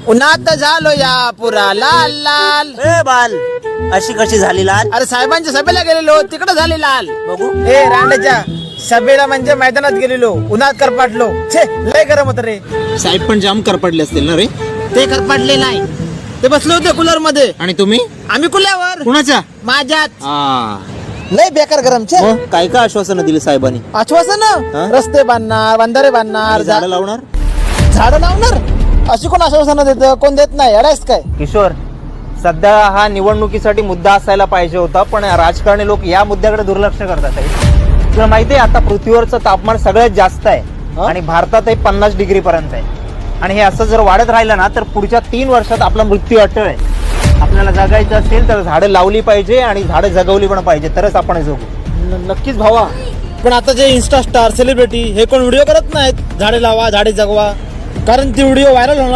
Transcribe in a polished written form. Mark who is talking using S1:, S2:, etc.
S1: उन्हात झालो या पुरा लाल लाल.
S2: ए बाल, अशी कशी झाली लाल?
S1: अरे साहेबांच्या सभेला गेलेलो तिकडे झाले लाल.
S2: बघू.
S1: ए रांडाच्या सभेला म्हणजे मैदानात गेलेलो उन्हात करपाटलो. छे लय गरम होत रे.
S3: साहेब पण जाम करपडले असतील ना रे.
S1: ते करपाटले नाही, ते बसले होते कूलर मध्ये.
S3: आणि तुम्ही
S1: आम्ही कुल्यावर
S3: कुणाच्या?
S1: माझ्यात.
S3: आ,
S1: लय बेकार गरम. छे
S3: मग काय काय आश्वासनं दिली साहेबांनी?
S1: आश्वासन
S3: हा?
S1: रस्ते बांधणार, बंधारे बांधणार,
S3: झाडं लावणार.
S1: झाडं लावणार. अशी कोण आश्वासन देत? कोण देत नाही. अडायस काय?
S4: किशोर, सध्या हा निवडणुकीसाठी मुद्दा असायला पाहिजे होता, पण राजकारणी लोक या मुद्द्याकडे दुर्लक्ष करतात आहे. तुला माहितीये आता पृथ्वीवरचं तापमान सगळ्यात जास्त आहे आणि भारतात 50 डिग्री पर्यंत आहे. आणि हे असं जर वाढत राहिलं ना तर पुढच्या 3 वर्षात आपला मृत्यू अटळ आहे. आपल्याला जगायचं असेल तर झाडं लावली पाहिजे आणि झाडं जगवली पण पाहिजे, तरच आपण जगू.
S1: नक्कीच भावा. पण आता जे इन्स्टा स्टार सेलिब्रिटी हे कोण व्हिडिओ करत नाहीत झाडे लावा झाडे जगवा, कारण ती व्हिडिओ व्हायरल होणार.